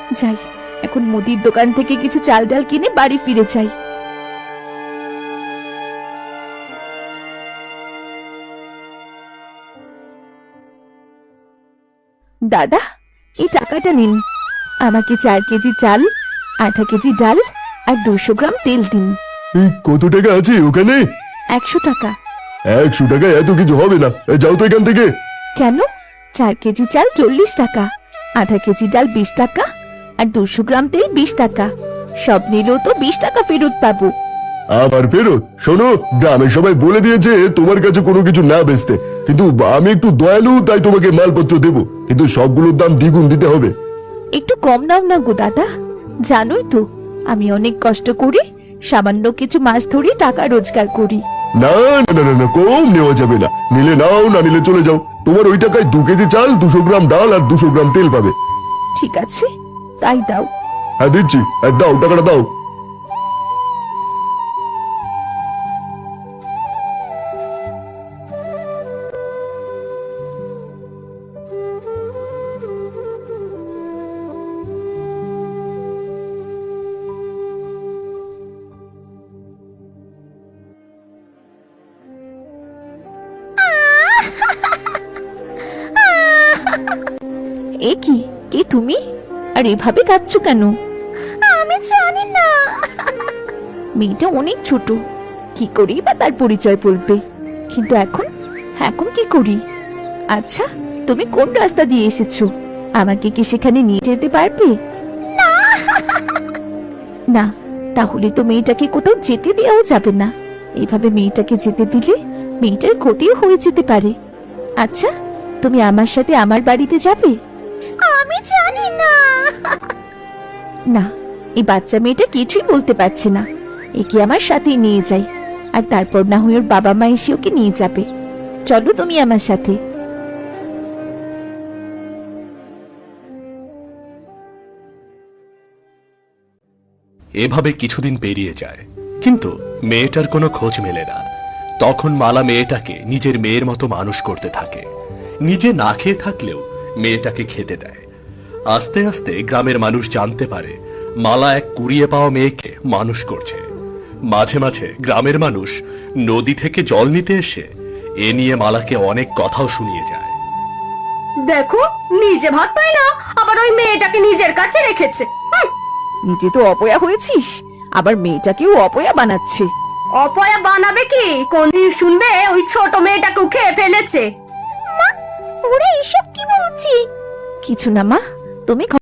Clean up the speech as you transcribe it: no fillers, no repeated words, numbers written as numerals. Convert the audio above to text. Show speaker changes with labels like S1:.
S1: যাই, এখন মুদির দোকান থেকে কিছু চাল ডাল কিনে বাড়ি ফিরে যাই। দাদা, এই টাকাটা নিন। আমাকে 4 কেজি চাল, আধা কেজি ডাল আর 200 গ্রাম তেল দিন।
S2: কত টাকা আছে ওখানে?
S1: 100 টাকা।
S2: 100 টাকায় এত কিছু হবে না, যাও তো এখান থেকে।
S1: কেন? 4 কেজি চাল 40 টাকা, আধা কেজি ডাল 20 টাকা আর 200 গ্রাম তেল 20 টাকা। সব নিলেও তো 20 টাকা ফেরত পাবো।
S2: আবার ফেরত? শোনো, গ্রামের সবাই বলে দিয়েছে তোমার কাছে কোনো কিছু না বেচতে, কিন্তু আমি একটু দয়ালু তাই তোমাকে মালপত্র দেবো, কিন্তু সবগুলোর দাম দ্বিগুণ দিতে হবে।
S1: একটু কম নাও না গো দাদা, জানোই তো আমি অনেক কষ্ট করি, সামান্য কিছু মাছ ধরে টাকা রোজগার করি।
S2: না না না না, কম নেওয়া যাবে না। নিলে নাও, না নিলে চলে যাও। তোমার ওই টাকায় 2 কেজি চাল, 200 গ্রাম ডাল আর 200 গ্রাম তেল পাবে।
S1: ঠিক আছে, তাই দাও।
S2: হ্যাঁ দিচ্ছি, দাও টাকাটা দাও।
S1: এ কি, কে তুমি? আর এভাবে কাঁদছো কেন? আমি জানি না। মেয়েটা অনেক ছোট, কি করি বা তার পরিচয় বলবে, কিন্তু এখন এখন কি করি? আচ্ছা, তুমি কোন রাস্তা দিয়ে এসেছো? আমাকে কি সেখানে নিয়ে যেতে পারবে? না, তাহলে তো মেয়েটাকে কোথাও যেতে দেওয়াও যাবে না। এইভাবে মেয়েটাকে যেতে দিলে মেয়েটার ক্ষতিও হয়ে যেতে পারে। আচ্ছা, তুমি আমার সাথে আমার বাড়িতে যাবে? আমি জানি না। না, এই বাচ্চা মেয়েটা কিছুই বলতে পারছে না। একে আমার সাথেই নিয়ে যাই, আর তারপর না হয় ওর বাবা মা এসে ওকে নিয়ে যাবে। চলো তুমি আমার সাথে।
S3: এভাবে কিছুদিন পেরিয়ে যায়, কিন্তু মেয়েটার কোনো খোঁজ মেলে না। তখন মালা মেয়েটাকে নিজের মেয়ের মতো মানুষ করতে থাকে। নিজে না খেয়ে থাকলেও মেয়েটাকে খেতে দেয়। আস্তে আস্তে গ্রামের মানুষ জানতে পারে মালা এক কুড়িয়ে পাওয়া মেয়েকে মানুষ করছে। মাঝে মাঝে গ্রামের মানুষ নদী থেকে জল নিতে এসে এ নিয়ে মালাকে অনেক কথাও শুনিয়ে যায়।
S4: দেখো, নিজে ভাত পায় না, আবার ওই মেয়েটাকে নিজের কাছে রেখেছে।
S1: নিজে তো অপয়া হয়েছিস, আবার মেয়েটাকেও অপয়া বানাচ্ছে।
S4: অপয়া বানাবে কি? কোনদিন শুনবে ওই ছোট মেয়েটাকেও খেয়ে ফেলেছে?
S1: ওরা এসব কি বলছি? কিছু না মা, তুমি